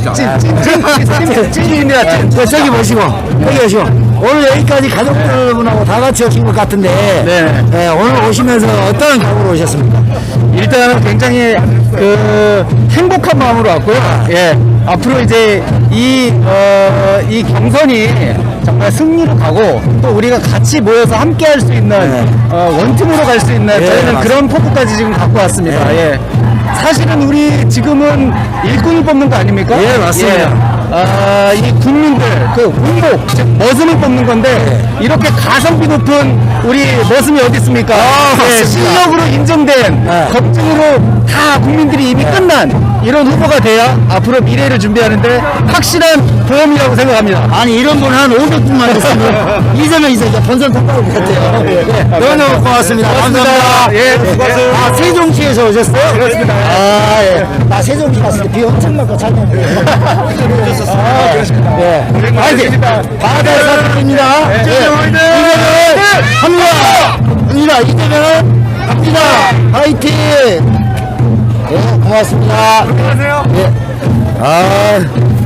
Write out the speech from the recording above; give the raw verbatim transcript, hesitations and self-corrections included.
찐, 찐, 찐, 찐입니다. 찐. 네, 저기 보시고, 여기 보시고. 오늘 여기까지 가족들분하고 다 같이 오신 것 같은데, 네. 네, 오늘 오시면서 어떤 각오로 오셨습니까? 일단은 굉장히 그 행복한 마음으로 왔고요. 예. 앞으로 이제 이, 어, 이 경선이 정말 승리로 가고 또 우리가 같이 모여서 함께 할 수 있는 네. 어, 원팀으로 갈 수 있는 예, 저희는 맞습니다. 그런 포부까지 지금 갖고 왔습니다. 네. 예. 사실은 우리 지금은 일꾼을 뽑는 거 아닙니까? 예, 맞습니다. 예. 아, 이 국민들 그 운복 즉 머슴을 뽑는 건데 이렇게 가성비 높은 우리 머슴이 어디 있습니까? 아, 예, 맞습니다. 실력으로 인정된 네. 검증으로 다 국민들이 이미 끝난 이런 후보가 돼야 앞으로 미래를 준비하는데 확실한 보험이라고 생각합니다. 아니, 이런 분 한 오백 분만 있으면 이재명 이제 본선 통과할 것 같아요. 예. 너무너무 고맙습니다. 감사합니다. 예, 수고하세요. 아, 세종시에서 오셨어요? 그렇습니다. 아, 예. 나 세종시 갔을 때 비 엄청 맞고 잘 먹었어요. 아, 그렇습니다. 예. 화이팅! 바다에서 드립니다. 예. 이재명은 합니다. 합니다. 이재명은 합니다. 화이팅! 예, 고맙습니다. 안녕하세요. 예. 아.